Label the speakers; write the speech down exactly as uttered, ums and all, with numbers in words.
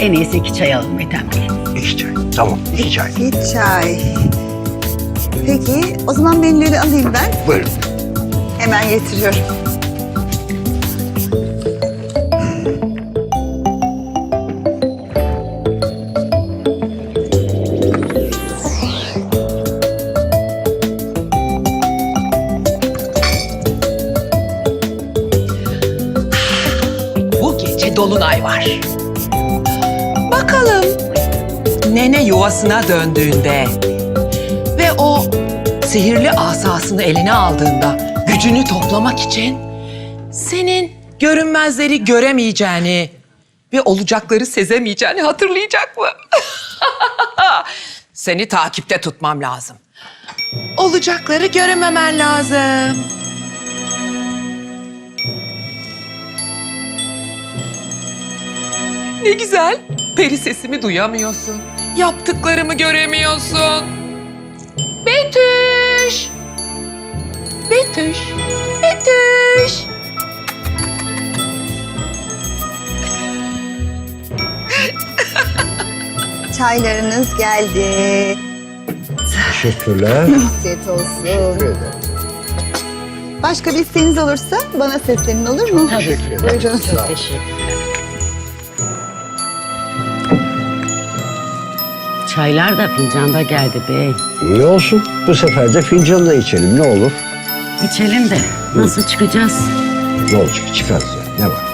Speaker 1: en iyisi iki çay alalım Ethem Bey.
Speaker 2: İki çay. Tamam, iki çay.
Speaker 3: İki çay. Peki, o zaman menüleri alayım ben.
Speaker 2: Buyurun.
Speaker 3: Hemen getiriyorum.
Speaker 4: Bu gece dolunay var. Bakalım nene yuvasına döndüğünde ve o sihirli asasını eline aldığında gücünü toplamak için senin görünmezleri göremeyeceğini ve olacakları sezemeyeceğini hatırlayacak mı? Seni takipte tutmam lazım. Olacakları görememen lazım. Ne güzel. Peri sesimi duyamıyorsun. Yaptıklarımı göremiyorsun. Betüş. Betüş. Betüş.
Speaker 3: Çaylarınız geldi.
Speaker 2: Teşekkürler.
Speaker 3: Afiyet olsun.
Speaker 2: Teşekkür ederim.
Speaker 3: Başka bir isteğiniz olursa bana seslenin, olur mu?
Speaker 2: Teşekkür ederim.
Speaker 3: Buyurun.
Speaker 2: Sağ ol.
Speaker 1: Teşekkürler. Çaylar da fincanda geldi bey.
Speaker 2: İyi olsun. Bu sefer de fincanla içelim. Ne olur?
Speaker 1: İçelim de nasıl çıkacağız?
Speaker 2: Ne olacak? Çıkarız ya. Ne var?